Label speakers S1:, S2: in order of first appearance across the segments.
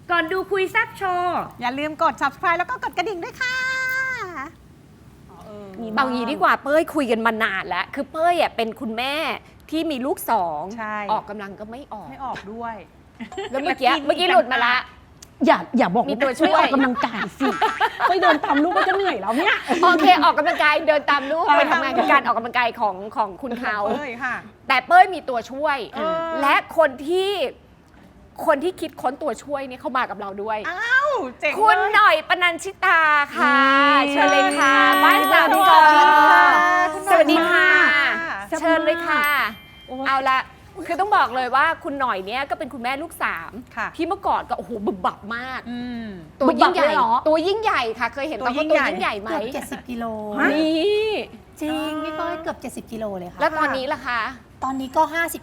S1: ก่อนดูคุยแซ่บโชว์
S2: อย่าลืมกด subscribe แล้วก็กดกระดิ่งด้วยค่ะ
S3: บางทีดีกว่าเป้ยคุยกันมานานแล้ว คือเป้ยเป็นคุณแม่ที่มีลูกสอง
S2: ใช่
S3: ออกกำลังก็ไม่ออก
S2: ไม่ออกด้วย
S3: แล้วเมื่อกี้หลุดมาละ
S4: อย่าบอก
S3: มีตัวช่วย
S4: ออกกำลังกายสิไปเดินตามลูกก็จะเหนื่อยแล้วเนี่ย
S3: โอเคออกกำลังกายเดินตามลูกไปทำงานกับการออกกำลังกายของคุณเขา
S2: เอ้ยค่ะ
S3: แต่เป้ยมีตัวช่วย
S2: เออ
S3: และคนที่คิดค้นตัวช่วยเนี่ยเขามากับเราด้วย
S2: อ้าวเจ๋ง
S3: คุณ
S2: เลย
S3: หน่อยปนัญชิตาค่ะ เชิญเลยค่ะ บ้านสาม
S2: ส
S3: ก
S2: วั
S3: อ
S2: สดีค่ะ
S3: สวัสดีค่ะ
S2: สวัสดีค่ะ
S3: เชิญเลยค่ะ
S4: โอ้ย
S3: เอาละคือต้องบอกเลยว่าคุณหน่อยเนี่ยก็เป็นคุณแม่ลูกสาม
S2: ค่ะ
S3: ที่เมื่อก่อนก็โอ้โหบึบบับมาก
S2: อืม
S3: ตัวยิ่งใหญ่
S4: บึบบับเลยเหรอ
S3: ตัวยิ่งใหญ่ค่ะ เคยเห็น
S2: ตัว
S3: ตอน
S2: ยิ่
S3: เขา
S2: ง
S3: ตัว
S2: ใหญ่
S3: ยิ่งใหญ่ไหม
S5: เกือบ70 กิโล
S3: นี่
S5: จริงพี่เป้ยเกือบ 70 กิโลเลยค่ะ
S3: แล้วตอนนี้ล่ะคะ
S5: ตอนนี้ก็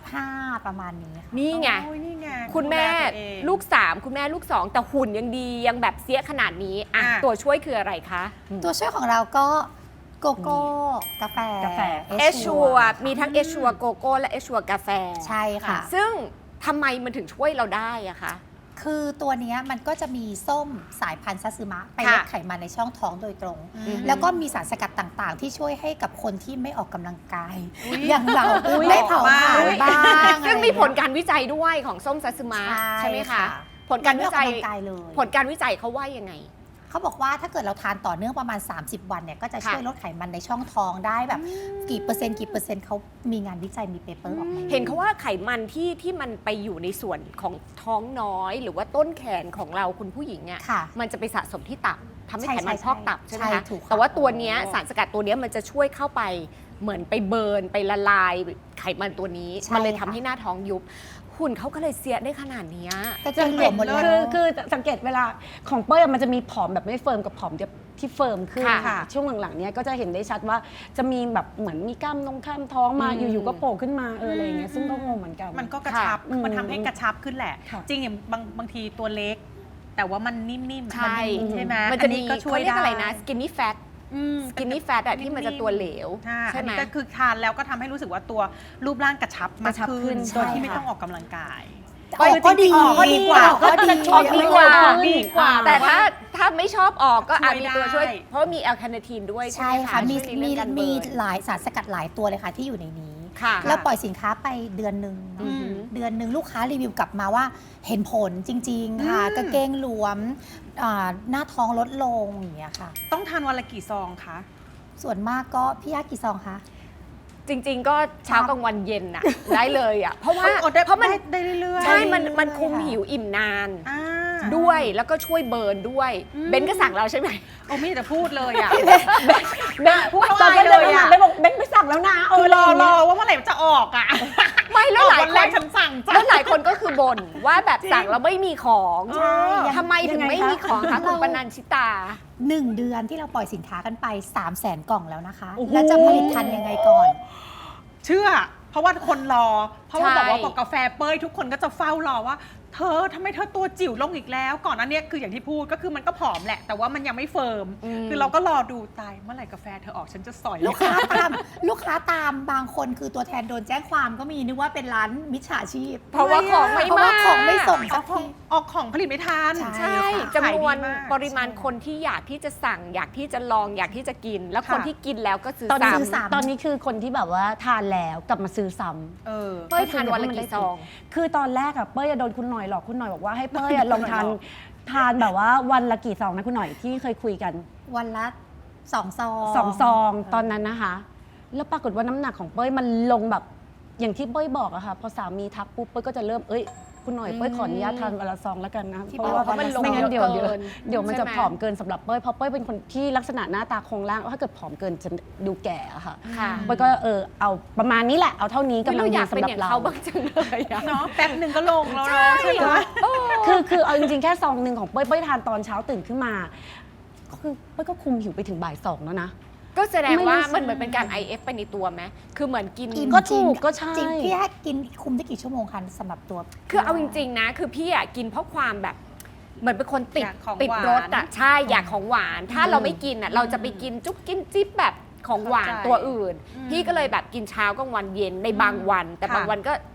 S5: 55 ประมาณนี้ค่ะ
S3: นี่ไง
S2: โอ้ยนี่ไง
S3: คุณแม่
S2: ดูแลตัวเอง
S3: ลูกสามคุณแม่ลูกสองแต่หุ่นยังดียังแบบเสียขนาดนี้อ่ะ
S2: อ่ะ
S3: ตัวช่วยคืออะไรคะ
S5: ตัวช่วยของเราก็โกโก้กาแฟ
S3: เอชัวมีทั้งเอชัวโกโก้และเอชัวกาแฟ
S5: ใช่ค่ะ
S3: ซึ่งทำไมมันถึงช่วยเราได้อะคะ
S5: คือตัวเนี้ยมันก็จะมีส้มสายพันธุ์ซัตสึมะไปลด
S3: ค่ะ
S5: ไขมันในช่องท้องโดยตรง
S2: อืม
S5: แล้วก็มีสารสกัดต่างๆ ที่ช่วยให้กับคนที่ไม่ออกกำลังกาย
S2: อุ๊ย
S5: อย่างเรา
S2: อุ๊ย
S5: ได้เผาผลาญ
S2: อุ๊ย
S5: บ้าง
S3: ซึ่งมีผล
S5: อะไร
S3: การวิจัยด้วยของส้มซัตสึมะ
S5: เงี้ย
S3: ใช่ไหมคะ
S5: ค่ะ
S3: ผลการวิจัย
S5: ไม่ออกกำลังกายเลย
S3: ผลการวิจัยเขาว่ายังไง
S5: เขาบอกว่าถ้าเกิดเราทานต่อเนื่องประมาณ 30 วันเนี่ยก็จะช่วยลดไขมันในช่องท้องได้แบบกี่เปอร์เซ็นต์เขามีงานวิจัยมีเปเปอร์ออกมา
S3: เห็นเขาว่าไขมันที่มันไปอยู่ในส่วนของท้องน้อย หรือว่าต้นแขนของเราคุณผู้หญิงอ่ะ
S5: ค่ะ
S3: มันจะไปสะสมที่ตับทำให้
S5: ใช่
S3: ไขมัน
S5: ใช่
S3: พอกตับใช่ไหม
S5: ใช่
S3: คะ
S5: ถูกค่ะ
S3: แต่ว่าตัวเนี้ยสารสกัดตัวเนี้ยมันจะช่วยเข้าไปเหมือนไปเบิร์นไปละลายไขมันตัวนี้
S5: ใช่
S3: มันเลยทำ
S5: ค่ะ
S3: ให้หน้าท้องยุบหุ่นเขาก็เลยเสียได้ขนาดเนี้ย
S5: กระเจงหลวมหมดเลย
S4: คือสังเกตเวลาของเป้ยมันจะมีผอมแบบไม่เฟิร์มกับผอมที่เฟิร์มขึ้น
S3: ค่ะ
S4: ช่วงหลังๆเนี้ยก็จะเห็นได้ชัดว่าจะมีแบบเหมือนมีกล้ามท้องมาอยู่ๆก็โผล่ขึ้นมาอะไรอย่างเงี้ยซึ่งก็งงเหมือนกัน
S2: มันก็กระชับ
S4: ค่ะ
S2: มันทำให้กระชับขึ้นแหละ
S4: ค่ะ
S2: จริงอย่างบางทีตัวเล็ก แต่ว่ามันนิ่มๆ
S3: ใช่
S2: มันใช่ไหม
S3: มันจะมี
S2: อัก็ช่วย
S3: เขาเรียก
S2: ได้
S3: อะไรนะ skinny fat
S2: อืม
S3: skinny fat อะที่มันจะตัวเหลว
S2: ใช่
S3: ใช่ไหม
S2: อันนี้ก็คือทานแล้วก็ทำให้รู้สึกว่าตัวรูปร่างกระชับมาก
S4: กระชับขึ้
S2: ขึ้น
S4: น
S2: โดยที่
S5: ใช่
S2: ไม่
S5: ค่ะ
S2: ต้องออกกำลังกาย
S5: ออกก็ดี
S2: ออกก็ดีกว่า
S5: ก็ดี
S3: ออกดีกว่า
S2: ดีกว่า
S3: แต่ถ้าไม่ชอบออกก็อาจมีตัวช่วย
S2: ช่วยได้
S3: เพราะว่ามีแอลคาเนทีนด้วยใช่
S5: ใช่
S3: ไหม
S5: ค่ะ มี
S3: ช่วยในเรื่องการเบิ
S5: มี
S3: ร์น
S5: หลายสารสกัดหลายตัวเลยค่ะที่อยู่ในนี้
S3: ค่ะ
S5: แล้วปล่อยสินค้าไปเดือนหนึ่ง
S3: อือหือ
S5: เดือนหนึ่งลูกค้ารีวิวกลับมาว่าเห็นผลจริง ๆ ค่ะ
S2: อืม
S5: กางเกงหลวมหน้าท้องลดลงอย่างเงี้ยค่ะ
S2: ต้องทานวันละกี่ซองคะ
S5: ส่วนมากก็พี่ยากี่ซองคะ
S3: จริง ๆ ก็เช้ากลางวันเย็นน่ะ ได้เลยอ่ะเพราะว่า
S2: อดได้
S3: เพราะมัน
S2: ได้เรื่อยๆ
S3: ใช่มัน
S5: ได้เรื่อยๆ
S3: มันคุม
S5: ค่ะ
S3: หิวอิ่มนาน
S2: อ่า
S3: ด้วยแล้วก็ช่วยเบิร์นด้วย
S2: อืม
S3: เบนก็สั่งเราใช่ไหม
S2: โอ้ไม่อยากจะพูดเลยอ่ะ
S4: เบน
S2: พูด
S4: ตอน
S2: ไม่
S4: เบน
S2: ได้
S4: เดิน
S2: เลย
S4: มา
S2: อะ
S4: เบนบอกเบนไปสั่งแล้วนะ
S2: คือรอ
S4: อะไรอย่างเงี้ย
S2: ว่าเมื่อไหร่มันจะออกอ่ะ
S3: ไม่แล้วหลาย
S2: วัน
S3: ค
S2: แร
S3: น
S2: กฉันสั่งจ้ะ
S3: แล้วหลายคนก็คือบ่นว่าแบบสั่งแล้วไม่มีของ
S2: ใช่
S3: ทำไมถึงไม่มีของคะคุณปนัญชิตา
S5: 1 เดือนที่เราปล่อยสินค้ากันไป 300,000 กล่องแล้วนะคะ
S4: โอ้โห
S5: แล้วจะผลิตทันยังไงก่อน
S2: เชื่อ เพราะว่าคนรอ เพราะว่า
S3: ใช่
S2: บอกว่าบอกกาแฟเป้ยทุกคนก็จะเฝ้ารอว่า เธอทำไมเธอตัวจิ๋วลงอีกแล้ว ก่อนอันเนี้ยคืออย่างที่พูดก็คือมันก็ผอมแหละ แต่ว่ามันยังไม่เฟิร์ม คือเราก็รอดูตายเมื่อไหร่กาแฟเธอออกฉันจะสอย
S5: ลูกค้าตามบางคนคือตัวแทนโดนแจ้งความก็มีนึกว่าเป็นร้านมิจฉาชีพ
S3: เพราะว่าของไม่
S5: เพราะว่า
S3: มา
S5: ของไม่ส่ง
S2: อ
S5: สั
S2: อก กข
S5: ที
S2: องออกของผลิตไม่ทัน
S5: ใช่
S3: ใช่
S5: ค่ะ
S3: จำนวน
S2: ขายดีมาก
S3: ปริมาณคนที่อยากที่จะสั่ง อยากที่จะลองอยากที่จะกิน แล้วคน
S2: ค่ะ
S3: ที่กินแล้วก็ซื้อ
S4: ตอนนี้
S3: ซ้ำ
S4: ตอนนี้คือคนที่แบบว่าทานแล้วกลับมาซื้อซ้ำ
S2: เออ
S3: เป้ยทานวันละกี่ซอง
S4: คือตอนแรกอะเป้ยอะโดนคุณหน่อยหลอกคุณหน่อยบอกว่าให้เป้ยอะลองทานแบบว่าวันละกี่ซองนะคุณหน่อยที่เคยคุยกัน
S5: วันละ2 ซอง
S4: 2 ซองตอนนั้นนะคะ แล้วปรากฏว่าน้ำหนักของเป้ยมันลงแบบอย่างที่เป้ยบอกอะค่ะพอสามีทักปุ๊บเป้ยก็จะเริ่มคุณหน่อยเป้ยขออนุญาตทานวันละซองแล้วกันนะ
S5: ที่
S4: เพราะว่า
S5: บอกว่ามันลง
S4: ไม่งั้นเดี๋ยว
S3: เยอะเกิน
S4: มันจะ
S3: ใช่ไหม
S4: ผอมเกินสำหรับเป้ยเพราะเป้ยเป็นคนที่ลักษณะหน้าตาโครงร่างถ้าเกิดผอมเกินจะดูแก่อะค่ะ
S3: ค่ะ
S4: เป้ยก็เอาประมาณนี้แหละเอาเท่านี้กำลั
S3: เรา
S4: ง
S3: อ
S4: ดี
S3: ยากเป็น
S4: สำหรั
S3: อบ ย่าง
S4: เรา
S3: เขาบ้างจังเลยอะ
S2: เนาะแป๊บหนึ่งก็ลงแล้วเนอะใช่ไหม
S4: คือเอาจริงๆแค่ซองหนึ่งของเป้ยทานตอนเช้าตื่นขึ้นมาก็คือเป้ยก็คุมหิวไปถึงบ่าย 2แล้วนะ
S3: ก็แสดงว่า
S4: ไม่รู้
S3: มันเหมือนเป็นการ IF ไปในตัวไหมคือเหมือนกิน
S5: อิ่ม
S4: ก็
S5: จริง
S4: ถูกก็ใช่
S5: จริงพี่แค่กินคุมได้กี่ชั่วโมงคะสำหรับตัว
S3: คือเอาจริงๆนะ คือพี่อะกินเพราะความแบบ เหมือนเป็นคนติด
S2: อยากของ
S3: ติด
S2: หวาน
S3: รสอะใช่อยากของหวาน ถ้าเราไม่กินอะเราจะไปกินจุ๊บกินจิ๊บแบบของหวาน
S2: เข้าใจ
S3: ตัวอื่น
S2: อืม
S3: พี่ก็เลยแบบกินเช้ากลางวันเย็นในบางวัน แต่
S2: ค่ะ
S3: บางวันก็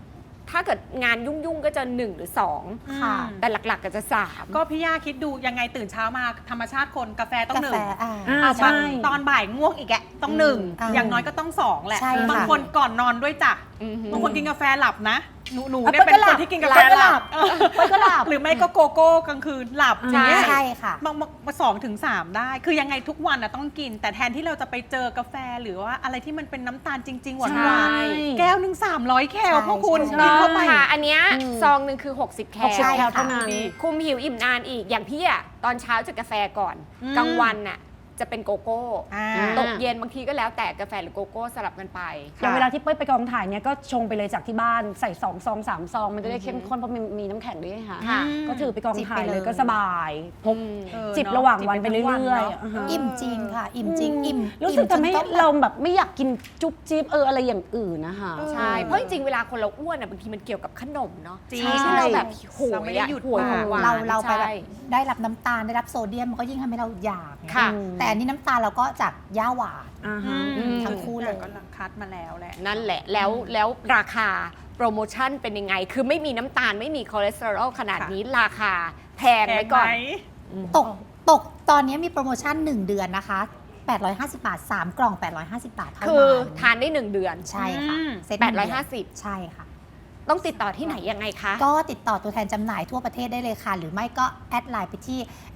S3: ถ้าเกิดงานยุ่งๆก็จะ1หรือ2
S5: ค่ะ
S3: แต่หลักๆก็จะ3
S2: ก็พี่ย่าคิดดูยังไงตื่นเช้ามาธรรมชาติคนกาแฟต้อง
S5: กา
S2: หนึ่
S5: แฟ
S2: ง
S4: ใช่
S2: ตอนบ่ายง่วงอีกตต้องหนึ่ง
S5: อ่า
S2: อย่างน้อยก็ต้อง2แหละ
S5: ใช่ค่ะ
S2: บางคนก่อนนอนด้วยจ้ะ
S3: อือหือ
S2: บางคนกินกาแฟหลับนะหนู
S4: อ่ะ
S2: เนี่ยเป็น
S4: เปิ้ลก็หลั
S2: ค
S4: บ
S2: นที่กินกาแฟ
S4: เปิ้ลก็
S2: ห
S4: หลั
S2: ลับบ
S4: เปิ้ลก็หลับ
S2: หรือไม่ก็โกโก้กลางคืนหลับอย่างเงี้ย
S5: ใช่ค่ะ
S2: มา2 ถึง 3ได้ คือยังไงทุกวันต้องกิน แต่แทนที่เราจะไปเจอกาแฟหรือว่าอะไรที่มันเป็นน้ำตาลจริง ๆ หวาน
S4: ใช่
S2: ๆแก้วหนึ่ง300 แคล
S5: ใช่
S2: พวกคุณ
S5: ใช่
S2: กินเข้าไป
S3: ค่ะอันเนี้ย
S4: อืม
S3: ซองหนึ่งคือ60 แคล
S4: 60 แคลเท่านั้น
S3: คุมหิวอิ่มนานอีกอย่างพี่อะตอนเช้าจะกาแฟก่อน
S2: อืม
S3: กลางวันน่ะจะเป็นโกโก้
S2: อ่า
S3: ตกเย็นบางทีก็แล้วแต่กาแฟหรือโกโก้สลับกันไป
S4: อย่างเวลาที่เป้ยไปกองถ่ายเนี่ยก็ชงไปเลยจากที่บ้านใส่2 ซอง 3 ซอง มันจะได้เข้มข้นเพราะมีน้ำแข็งด้วยค่ะ
S3: ค่ะ
S4: ก็ถือไปกองถ่าย
S5: จิบไป
S4: เล
S5: เลย ย
S4: ก็สบายพก
S2: เออ
S4: จิบ
S2: เนอะ
S4: ระหว่างวัน
S2: จิบ
S4: ไป
S2: ไป
S4: เรื่
S2: ทั้งวัน
S4: อย
S2: เนอะ
S4: ๆอ่าฮะ
S5: อิ่มจริงค่ะ อิ่มจริงอิ่ม
S4: รู้สึก
S5: อิ่
S4: ทำให้
S5: จนต้อง
S4: เราแบบไม่อยากกินจุ๊บจิ๊บอะไรอย่างอื่นนะคะ
S3: ใช่ เพราะจริงๆ เวลาคนเราอ้วนอ่ะบางทีมันเกี่ยวกับขนมเนาะ
S2: จริง
S3: ที่เราแบบโห
S2: เราไม่
S3: ย
S2: ได้
S3: อะ
S2: หยุด
S3: หวยของหวาน
S5: เราไปแบบ
S3: ใช่
S5: ได้รับน้ำตาลได้รับโซเดียมมันก็ยิ่งทำให้เราอยากไง
S3: ค่ะ
S5: แต่อันนี้น้ำตาลเราก็จากย่าหวาน
S4: อ่าฮะ
S5: ทั้งคู่เลย
S2: ก็คัดมาแล้วแหละ
S3: นั่นแหละแล้วราคาโปรโมชั่นเป็นยังไง คือไม่มีน้ำตาลไม่มีคอเลสเตอรอลขนาดนี้ราคาแพงไว้ก่อน
S5: ตกตอนนี้มีโปรโมชั่น 1 เดือนนะคะ 850 บาท 3 กล่อง 850 บาทเท่า
S3: คือ
S5: นั้น
S3: ทานได้ 1 เดือน
S5: ใช่ค่ะ
S2: อืม
S5: เซ็ตหนึ่งเดือน
S3: 850
S5: ใช่ค่ะ
S3: ต้องติดต่อที่ไหนยังไงคะ
S5: ก็ติดต่อตัวแทนจำหน่ายทั่วประเทศได้เลยค่ะ หรือไม่ก็แอดไลน์ไปที่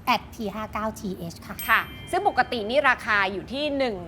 S5: @p59th ค่ะ
S3: ค่ะ ซึ่งปกตินี่ราคาอยู่ที่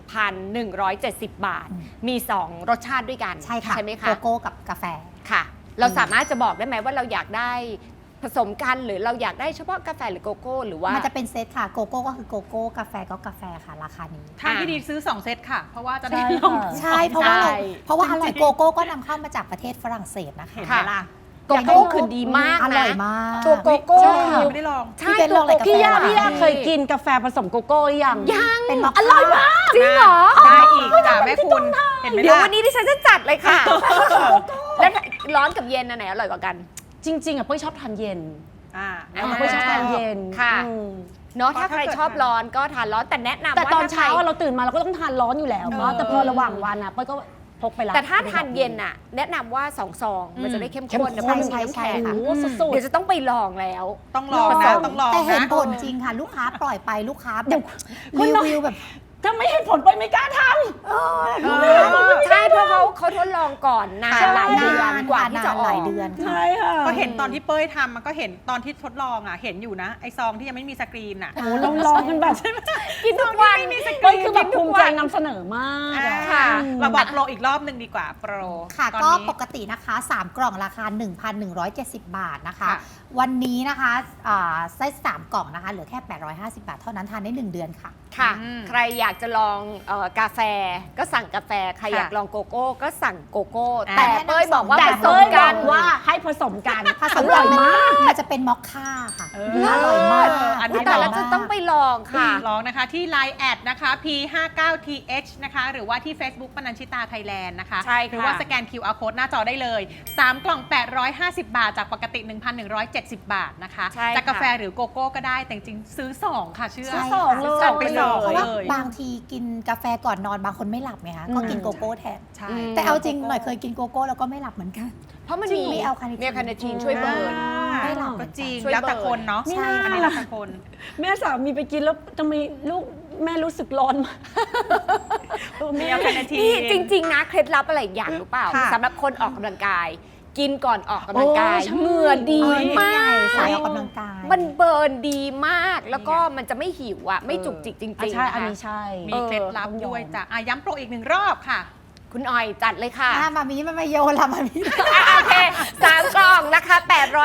S3: 1,170 บาท
S5: อืม
S3: มี 2 รสชาติด้วยกัน
S5: ใช่ค่ะ
S3: ใช่ไหม
S5: โก
S3: คะ
S5: โก้กับกาแฟ
S3: ค่ะ เราสามารถจะบอกได้ไหมว่าเราอยากได้ผสมกันหรือเราอยากได้เฉพาะกาแฟหรือโกโก้หรือว่า
S5: มันจะเป็นเซตค่ะ โกโก้ก็คือโกโก้ กาแฟก็กาแฟค่ะ ราคานี้
S2: ทางที่ดีซื้อ 2 เซตค่ะ เพราะว่าจะได้
S4: ใช่
S2: ลง
S4: ค่ะ
S5: ใช่ เพราะว่าเรา
S3: ใช่
S5: เพราะว่าอร่อยโกโก้ก็นำเข้ามาจากประเทศฝรั่งเศสนะคะ
S2: เห็นไหมล่ะ
S3: โกโก้คือดีมาก
S5: อ
S3: นะ
S5: ร่อยมาก
S3: ตัวโกโก้
S2: ใช่
S3: คือ
S2: ไม่ได้ลอง
S3: ใช่
S5: พี่เป็น
S3: ตัว
S5: ลองอะไร
S3: โก
S5: กับ
S3: โก้
S4: พี่ย่า
S5: แฟ
S4: พี่ย่าเคยกินกาแฟผสมโกโก้หรือยัง
S3: ยัง
S5: เป็นมอค
S3: อร่อยมาก จริงเหรอ
S2: ได้อีกจ้ะแม่คุณ เห็นไหม
S3: เดี๋ยว
S2: ล่ะ
S3: วันนี้ดิฉันจะจัดเลยค่ะ แล้วร้อนกับเย็นอันไหนอร่อยกว่ากัน
S4: จริง ๆอ่ะเป้ยชอบทานเย็น
S2: อ่า
S3: อ่า
S4: เป้ยชอบทานเย็น
S3: ค่ะ
S4: อืม
S3: เนาะถ้า
S2: เพราะ
S3: ใคร
S2: ถ้าเกิด
S3: ชอบร้อนก็ทานร้อนแต่แนะนำ
S4: แต่
S3: ว่า
S4: ตอน
S3: ถ้าใคร
S4: เช้าอะเราตื่นมาเราก็ต้องทานร้อนอยู่แล้ว
S2: เออ
S4: เนาะแต่พอระหว่างวันอ่ะเป้ยก็พกไปละ
S3: แต่ถ้าทานเย็นน่ะ แนะนำว่า2 ซอง มันจะได้เข้มข้นนะเพราะมันมีน้ำแข็ง
S4: โอ้โหสุด
S3: เดี๋ยวจะต้องไปลองแล้ว
S2: ต้องลองนะต้องลอง
S5: แต่เห็น
S2: นะ
S5: ผลจริงค่ะ ลูกค้าปล่อยไปลูกค้า
S4: เดี๋
S5: แบ
S4: ยว
S5: บรีวิวแบบ
S4: ๆถ้าไม่เห็นผลเป้ยไม่กล้าท
S3: ใช่เพราะเขาทดลองก่อนนาน
S5: ใช่
S3: หลายเดือน
S5: นาน
S3: กว่าที่จะ
S5: นาน
S3: อ
S5: ห
S3: อ
S5: ลาย
S3: ก
S5: เดือน
S4: ำ
S5: ค่ะ
S4: ใช่ค่ะ
S2: ก็เห็นตอนที่เป้ยทำมันก็เห็นตอนที่ทดลองอ่ะเห็นอยู่นะไอซองที่ยังไม่มีสกรีนอ่ะ
S4: โอ้โหเราลองกันแบบ
S3: กินทุกวัน
S4: เป้ยคือแบบภูมิใจนำเสนอมาก
S2: อ่า
S4: อะ
S3: ค่ะ
S2: เราบอกโปรอีกรอบหนึ่งดีกว่าโปร
S5: ค่ะ
S2: ตอน
S5: ก็
S2: นี้
S5: ปกตินะคะ 3 กล่องราคา 1,170 บาทนะคะ
S2: ค่ะ
S5: วันนี้นะคะไส้3กล่องนะคะ เหลือแค่ 850 บาท เท่านั้นทานได้ 1 เดือนค่ะ
S3: ค่ะ
S2: อืม
S3: ใครอยากจะลองกาแฟก็สั่งกาแฟ ใคร
S2: ค่ะ
S3: อยากลองโกโก้ก็สั่งโกโก้
S2: อ่า
S3: แต่เป้ยบอกว่า
S4: แต่
S3: ผส
S4: เป้
S3: ม
S4: ยบ
S3: กั
S4: อน กว่าให้ผสมกัน
S5: ผส
S4: อ
S5: ม
S4: ร่อยมาก
S5: มันจะเป็นมอคค่าค่ะ
S2: เออ
S5: อร่อยมาก
S2: อันนี้
S3: แต่เราจะต้องไปลองค่ะ
S2: ลองนะคะที่ Line แอดนะคะ P59th นะคะหรือว่าที่ Facebook ปนัญชิตาไทยแลนด์นะคะ
S3: ใช่ค่ะ
S2: หรือว่าสแกน QR Code หน้าจอได้เลย 3 กล่อง 850 บาท จากปกติ 1,170 บาทนะคะ
S3: ใช่
S2: จากกาแฟ
S3: ค่ะ
S2: หรือโกโก้ก็ได้แต่จริงๆซื้อ 2 ค่ะเชื่อ
S5: ใช่
S4: สองเลย
S2: สั่งไปสอง
S5: เพราะว่า
S2: เลย
S5: บางทีกินกาแฟก่อนนอนบางคนไม่หลับไงคะก็กินโกโก้แทน
S2: ใช่
S5: แต่เอาจริงหน่อยเคยกินโกโก้แล้วก็ไม่หลับเหมือนกัน
S3: เพราะมัน
S5: จริ
S3: มี
S5: งมีแอลคาเนทีน
S3: มีแอลคาเนทีนช่วยเบิร์น
S5: ไม่หลับ
S2: ก็จริง
S3: ช่วย
S2: แล้วแต่
S3: เบิร์น
S2: คนเนาะ
S5: ใช่
S2: อันนี้แล้วแต่คน
S4: แม่สามีไปกินแล้วทำไมลูกแม่รู้สึกร้อนมากเออ
S2: มี
S4: แม่
S2: แอลคาเนที
S3: นี่
S2: น
S3: จริง ๆ นะเคล็ดลับอะไรอีกอย่างรู้เปล่า
S2: ค่ะ
S3: สำหรับคนออกกำลังกาย กินก่อนออกกำลังกาย
S4: โอ้ใช่
S3: เหงื่อดี
S5: มาม
S3: าก
S5: สายออกกำลังกาย
S3: มันเบิร์นดีมากแล้วก็มันจะไม่หิวอ่ะไม่จุกจิกจริง
S4: อ่ะ
S3: ๆ
S4: ใช่
S3: นะคะ
S4: อันนี้ใช่
S2: มีเคล็ดลับด้วยจ้ะอ่ะย้ำโปรอีก 1 รอบค่ะ
S3: คุณออยจัดเลยค่ะ
S5: มามีมันมาโยนละมามี
S3: โอเค3 กล่องนะคะ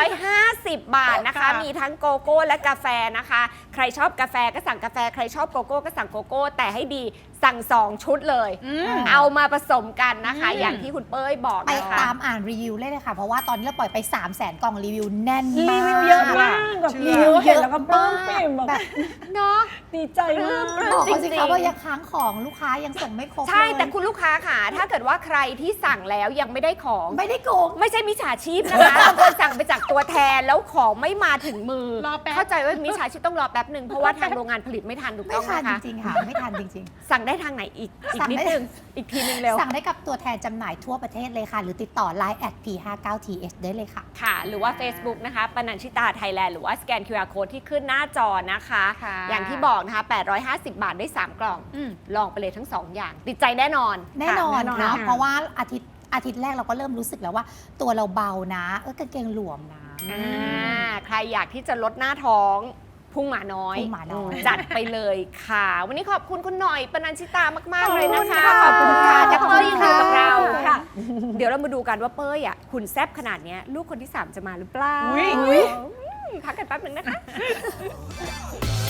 S3: 850 บาทนะคะ
S2: ค่ะ
S3: มีทั้งโกโก้และกาแฟนะคะ ใครชอบกาแฟก็สั่งกาแฟ ใครชอบโกโก้ก็สั่งโกโก้ แต่ให้ดีสั่ง 2 ชุดเลย
S2: อืม
S3: เอามาผสมกันนะคะ
S2: อืม
S3: อย่างที่คุณเป้ยบอก
S5: ไป
S3: นะคะ
S5: ตามอ่านรีวิวเลยค่ะ เพราะว่าตอนนี้เราปล่อยไป 300,000 กล่องรีวิวแน่น
S4: รี
S5: มาก
S4: วิวเยอะมากแบบ
S2: เชื่
S5: รีวิวเยอะ
S4: แล้วก็ปลื้มปิ่มแบบ
S3: เนาะ
S4: ดีใจมาก
S5: บอกเขาสิ
S3: จริ
S5: คะ
S3: งๆ
S5: ว่ายังค้างของลูกค้ายังส่งไม่ครบ
S3: ใช่
S5: เลย
S3: แต่คุณลูกค้าค่ะ ถ้าเกิดว่าใครที่สั่งแล้วยังไม่ได้ของ
S5: ไม่ได้โกง
S3: ไม่ใช่มิจฉาชีพนะคะบางคนสั่งไปจากตัวแทนแล้วของไม่มาถึงมือ
S2: รอแป๊บ
S3: เข้าใจว่ามิจฉาชีพต้องรอแป๊บหนึ่งเพราะว่าทางโรงงานผลิตไม่ทันถูก
S5: ไม่
S3: ต้อง
S5: ทัน
S3: นะคะ
S5: จริงๆค่ะไม่ทันจริง
S3: สั่งได้ทางไหนอีก
S5: สั่ง
S3: นิด
S5: ได้
S3: นึงอีกทีนึงเร็ว
S5: ๆ สั่งได้กับตัวแทนจำหน่ายทั่วประเทศเลยค่ะ หรือติดต่อ Line @p59th ได้เลยค่ะ
S3: ค่ะ หรือว่า Facebook นะคะปนัญชิตาไทยแลนด์หรือว่าสแกน QR Code ที่ขึ้นหน้าจอนะคะ
S2: ค่ะ
S3: อย่างที่บอกนะคะ 850 บาทได้ 3 กล่อง ลองไปเลยทั้ง 2 อย่าง ติดใจแน่นอน
S5: แน่นอน
S4: แน่นอน
S5: ค่ะ
S4: ค่ะ
S5: เพราะว่าอาทิตย์แรกเราก็เริ่มรู้สึกแล้วว่า ตัวเราเบานะกางเกงหลวมนะ
S3: ใครอยากที่จะลดหน้าท้องพุ่งหมาน้อย
S5: พุ่งหมาน้อย
S3: จัดไปเลยค่ะ วันนี้ขอบคุณคุณหน่อยปนัญชิตามาก ๆ เลยนะคะ
S4: ขอบคุณค่ะ
S3: และเป้ยยังอยู่กับเรา
S4: ค่ะ
S3: เดี๋ยวเรามาดูกันว่าเป้ยอ่ะหุ่นแซ่บขนาดเนี้ยลูกคนที่ 3 จะมาหรือเปล่า
S2: อุ๊ย
S3: พักกันแป๊บหนึ่งนะคะ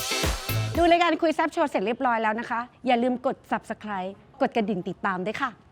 S4: ดูรายการคุยแซบโชว์เสร็จเรียบร้อยแล้วนะคะ อย่าลืมกด subscribe กดกระดิ่งติดตามด้วยค่ะ